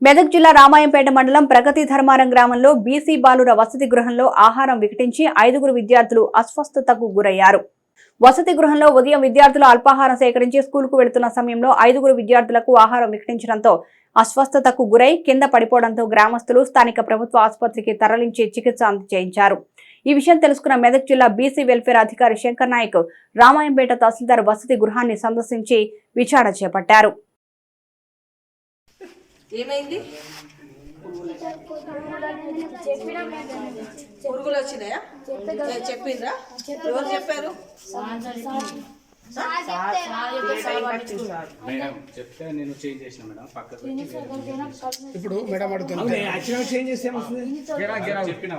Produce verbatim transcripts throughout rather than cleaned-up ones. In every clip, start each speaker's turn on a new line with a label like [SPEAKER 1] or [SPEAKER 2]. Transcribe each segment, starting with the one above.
[SPEAKER 1] మెదక్ జిల్లా రామాయంపేట మండలం ప్రగతి ధర్మారం గ్రామంలో బీసీ బాలుర వసతి గృహంలో ఆహారం వికటించి ఐదుగురు విద్యార్థులు అస్వస్థతకు గురయ్యారు. వసతి గృహంలో ఉదయం విద్యార్థులు అల్పాహారం సేకరించి స్కూలుకు వెళుతున్న సమయంలో ఐదుగురు విద్యార్థులకు ఆహారం వికటించడంతో అస్వస్థతకు గురై కింద పడిపోవడంతో గ్రామస్తులు స్థానిక ప్రభుత్వ ఆసుపత్రికి తరలించి చికిత్స అందజేయించారు. ఈ విషయం తెలుసుకున్న మెదక్ జిల్లా బీసీ వెల్ఫేర్ అధికారి శంకర్ నాయక్ రామాయంపేట తహసీల్దార్ వసతి గృహాన్ని సందర్శించి విచారణ చేపట్టారు.
[SPEAKER 2] ఏమైంది? పురుగులు వచ్చినాయా? చెప్పిండ్రా? ఎవరు చెప్పారు?
[SPEAKER 3] చెప్తే నేను చేంజ్ చేసిన మేడం పక్కకు
[SPEAKER 4] ఇప్పుడు మేడం అడుగుతున్నా చేంజ్ చేస్తే
[SPEAKER 3] చెప్పిన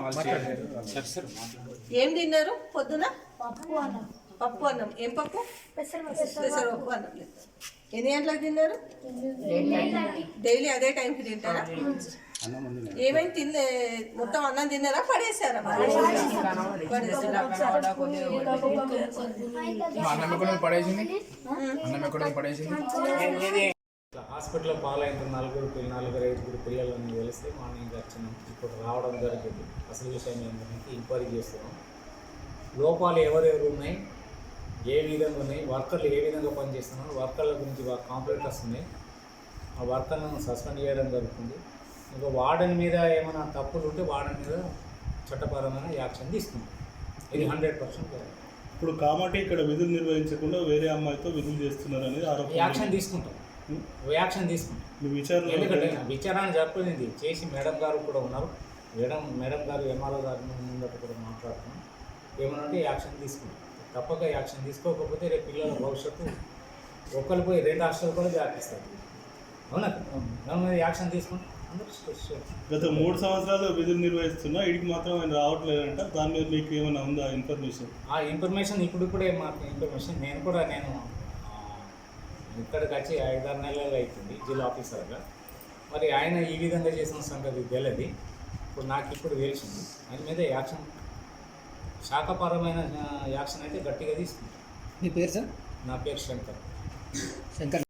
[SPEAKER 2] ఏం తిన్నారు పొద్దున? పప్పు అన్నం. ఏం పప్పు? పెసరపప్పు అన్నం. ఎన్ని గంటలకు తిన్నారు? డైలీ అదే టైంకి తింటారా? ఏమైనా తిన్నే మొత్తం అన్నం తిన్నారా? పడేసారా?
[SPEAKER 3] హాస్పిటల్లో పాలైన నలుగురు నలుగురు ఐదుగురు పిల్లలని తెలిస్తే మార్నింగ్ వచ్చినాం. ఇప్పుడు రావడం జరిగింది. అసలు విషయం ఏంటంటే ఎంక్వైరీ చేస్తున్నాం. లోపాలు ఎవరెవరు ఉన్నాయి, ఏ విధంగా ఉన్నాయి, వర్కర్లు ఏ విధంగా పనిచేస్తున్నారు, వర్కర్ల గురించి కాంప్లైంట్ వస్తున్నాయి. ఆ వర్కర్లను సస్పెండ్ చేయడం జరుగుతుంది. ఇంకా వార్డెన్ మీద ఏమైనా తప్పులు ఉంటే వార్డెన్ మీద చట్టపరమైన యాక్షన్ తీసుకుంటాం. ఇది హండ్రెడ్ పర్సెంట్.
[SPEAKER 5] ఇప్పుడు కాబట్టి ఇక్కడ విధులు నిర్వహించకుండా వేరే అమ్మాయితో విధులు చేస్తున్నారు అనేది ఆరోపణ.
[SPEAKER 3] యాక్షన్ తీసుకుంటాం యాక్షన్ తీసుకుంటాం
[SPEAKER 5] విచారణ
[SPEAKER 3] ఎందుకంటే విచారణ జరిపింది చేసి మేడం గారు కూడా ఉన్నారు. మేడం మేడం గారు ఎంఆర్ఓ గారి ముందట కూడా మాట్లాడుతున్నాం. ఏమనంటే యాక్షన్ తీసుకుంటాం. తప్పక యాక్షన్ తీసుకోకపోతే రేపు పిల్లల భవిష్యత్తు ఒక్కరు పోయి రెండు హాస్టల్ కూడా వ్యాపిస్తారు. అవునా? దాని మీద యాక్షన్ తీసుకుంటాం.
[SPEAKER 5] గత మూడు సంవత్సరాలు విధులు నిర్వహిస్తున్నా ఇడికి మాత్రం ఆయన రావట్లేదంట. దాని మీద మీకు ఏమైనా ఉందా ఇన్ఫర్మేషన్?
[SPEAKER 3] ఆ ఇన్ఫర్మేషన్ ఇప్పుడు ఇప్పుడే మాకు ఇన్ఫర్మేషన్ నేను కూడా నేను ఇక్కడికి వచ్చి ఐదారు నెలలు అవుతుంది జిల్లా ఆఫీసర్గా. మరి ఆయన ఈ విధంగా చేసిన సంగతి తెలియదు. ఇప్పుడు నాకు ఇప్పుడు తెలిసింది. ఆయన మీద యాక్షన్ శాఖపరమైన యాక్షన్ అయితే గట్టిగా తీసుకుంటాం.
[SPEAKER 4] మీ పేరు సార్?
[SPEAKER 3] నా పేరు శంకర్.
[SPEAKER 4] శంకర్